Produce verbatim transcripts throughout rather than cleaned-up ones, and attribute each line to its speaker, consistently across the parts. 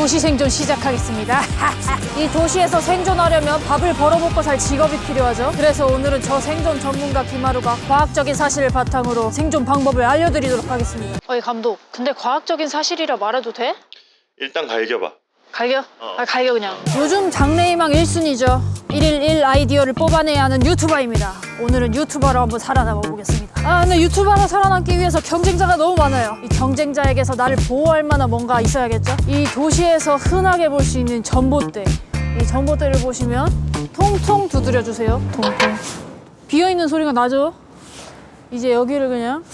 Speaker 1: 도시 생존 시작하겠습니다. 이 도시에서 생존하려면 밥을 벌어먹고 살 직업이 필요하죠. 그래서 오늘은 저 생존 전문가 김하루가 과학적인 사실을 바탕으로 생존 방법을 알려드리도록 하겠습니다. 어이 감독, 근데 과학적인 사실이라 말해도 돼?
Speaker 2: 일단 갈겨봐.
Speaker 1: 갈겨?
Speaker 2: 어.
Speaker 1: 아, 갈겨 그냥. 요즘 장래희망 일 순위죠. 일일 일 아이디어를 뽑아내야 하는 유튜버입니다. 오늘은 유튜버로 한번 살아남아 보겠습니다. 아, 근데 유튜버로 살아남기 위해서 경쟁자가 너무 많아요. 이 경쟁자에게서 나를 보호할 만한 뭔가 있어야겠죠? 이 도시에서 흔하게 볼 수 있는 전봇대. 이 전봇대를 보시면 통통 두드려 주세요. 통통. 비어있는 소리가 나죠? 이제 여기를 그냥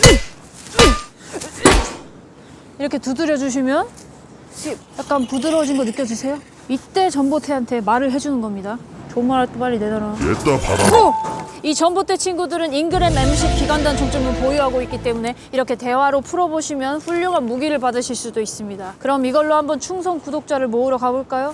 Speaker 1: 이렇게 두드려 주시면 약간 부드러워진 거 느껴지세요? 이때 전봇대한테 말을 해주는 겁니다. 좋은 말 할 때 빨리 내놔라.
Speaker 3: 얘따 봐라.
Speaker 1: 오! 이 전봇대 친구들은 인그램 엠십 기관단 종점을 보유하고 있기 때문에 이렇게 대화로 풀어보시면 훌륭한 무기를 받으실 수도 있습니다. 그럼 이걸로 한번 충성 구독자를 모으러 가볼까요?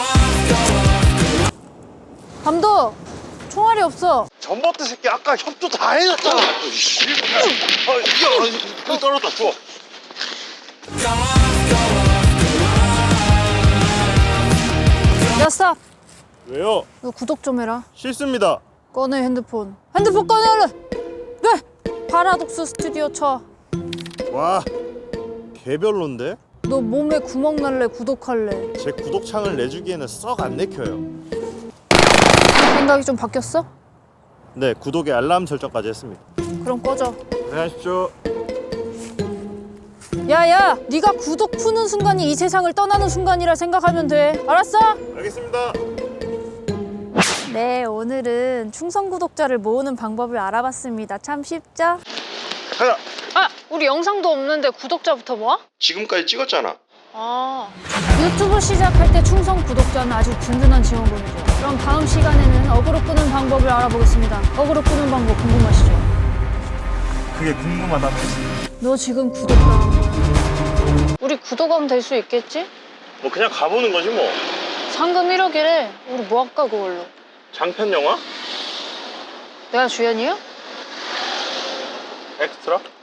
Speaker 1: 감독! 총알이 없어.
Speaker 2: 전봇대 새끼 아까 협조 다 해줬잖아. 아, 이거 이거 떨어졌다. 주워.
Speaker 1: 야, 스탑!
Speaker 3: 왜요?
Speaker 1: 너 구독 좀 해라.
Speaker 3: 싫습니다.
Speaker 1: 꺼내 핸드폰. 핸드폰 꺼내 얼른! 네! 파라독스 스튜디오 쳐.
Speaker 3: 와, 개별론데?
Speaker 1: 너 몸에 구멍 날래 구독할래?
Speaker 3: 제 구독창을 내주기에는 썩 안 내켜요.
Speaker 1: 생각이 좀 바뀌었어?
Speaker 3: 네, 구독에 알람 설정까지 했습니다.
Speaker 1: 그럼 꺼져.
Speaker 3: 고생하십시오.
Speaker 1: 야야! 네가 구독 푸는 순간이 이 세상을 떠나는 순간이라 생각하면 돼. 알았어?
Speaker 3: 알겠습니다.
Speaker 1: 네, 오늘은 충성 구독자를 모으는 방법을 알아봤습니다. 참 쉽죠?
Speaker 2: 가자.
Speaker 1: 아! 우리 영상도 없는데 구독자부터 모아?
Speaker 2: 지금까지 찍었잖아.
Speaker 1: 아... 유튜브 시작할 때 충성 구독자는 아주 든든한 지원군이죠. 그럼 다음 시간에는 어그로 끄는 방법을 알아보겠습니다. 어그로 끄는 방법 궁금하시죠?
Speaker 3: 그게 궁금하다며.
Speaker 1: 너 지금 구독당한 거야. 우리 구독하면 될 수 있겠지?
Speaker 2: 뭐 그냥 가보는 거지 뭐.
Speaker 1: 상금 일억이래. 우리 뭐 할까 그걸로?
Speaker 2: 장편 영화?
Speaker 1: 내가 주연이야?
Speaker 2: 엑스트라?